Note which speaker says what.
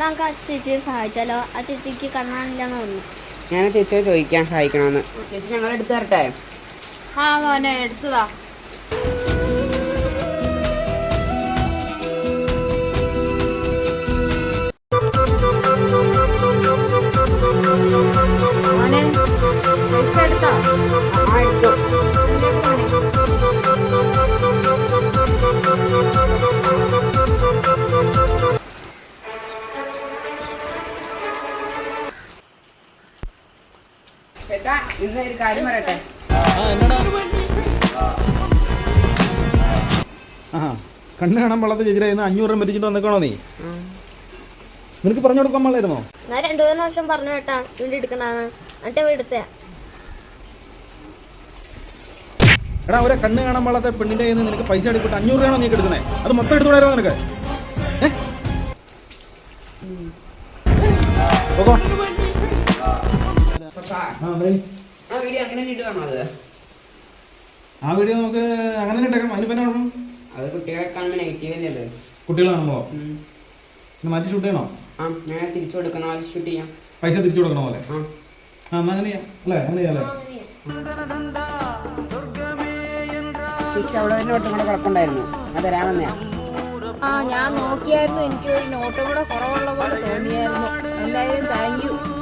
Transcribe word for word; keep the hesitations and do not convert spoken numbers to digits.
Speaker 1: നമുക്ക് ആ ചേച്ചിയെ സഹായിച്ചാലോ? ആ ചേച്ചിക്ക് കണ്ണാനില്ലാന്ന് തോന്നുന്നു.
Speaker 2: ഞാൻ ചേച്ചിയെ ചോദിക്കാൻ സഹായിക്കണമെന്ന്. ചേച്ചി ഞങ്ങൾ എടുത്തു തരട്ടെ?
Speaker 3: ആ മോനെ എടുത്തതാ. മോനെ പൈസ എടുത്തോ?
Speaker 2: ആ എടുത്തു. ചേട്ടാ ഇന്ന് ഒരു കാര്യം പറയട്ടെ.
Speaker 4: ആ കണ്ണ് കാണാൻ പാടാത്ത ചേച്ചിയുടെ അഞ്ഞൂറ് രൂപ മരിച്ചിട്ട് വന്നേക്കണോ നീ? നിനക്ക് പറഞ്ഞു കൊടുക്കാൻ പാടില്ലായിരുന്നോ?
Speaker 1: ഞാൻ രണ്ടു മൂന്ന് വർഷം പറഞ്ഞു കേട്ടാ വീട് എടുക്കണാന്ന്. എന്നിട്ട് എടുത്തേ.
Speaker 4: എടാ ഒരു കണ്ണ് കാണാൻ പാടാത്ത പെണ്ണിന്റെ കയ്യിൽ നിന്ന് നിനക്ക് പൈസ എടുത്തിട്ട് അഞ്ഞൂറ് രൂപയാണോ നീ എടുക്കുന്നത്? അത് മൊത്തം എടുത്തുകൂടായിരുന്നോ നിനക്ക്?
Speaker 2: ആ വീഡിയോ അങ്ങനെ ഇടുകയാണോ? അത്
Speaker 4: ആ വീഡിയോ നമുക്ക് അങ്ങനെ ഇട്ടേക്കാം. അതിന് പിന്നെ കുഴപ്പം?
Speaker 2: അത് കുട്ടികളെ കാണുമ്പോൾ നെഗറ്റീവ് അല്ലേ? അത്
Speaker 4: കുട്ടികൾ കാണുമ്പോ മാറ്റി ഷൂട്ട് ചെയ്യണോ?
Speaker 2: ആ ഞാൻ തിരിച്ചു കൊടുക്കണോ? അത് ഷൂട്ട് ചെയ്യാം.
Speaker 4: പൈസ തിരിച്ചു കൊടുക്കണ പോലെ?
Speaker 2: ആ
Speaker 4: ആ എന്നാ അങ്ങനെ ചെയ്യാം അല്ലേ? അങ്ങനെ ചെയ്യാം അല്ലേ?
Speaker 2: ചേച്ചി അവിടെ ഒരു നോട്ടും കൂടെ കുഴപ്പമുണ്ടായിരുന്നു, അത് തരാമെന്നയാ.
Speaker 3: ആ ഞാൻ നോക്കിയായിരുന്നു. എനിക്ക് ഒരു നോട്ടും കൂടെ കുറവുള്ള പോലെ തോന്നിയായിരുന്നു. എന്തായാലും താങ്ക് യു.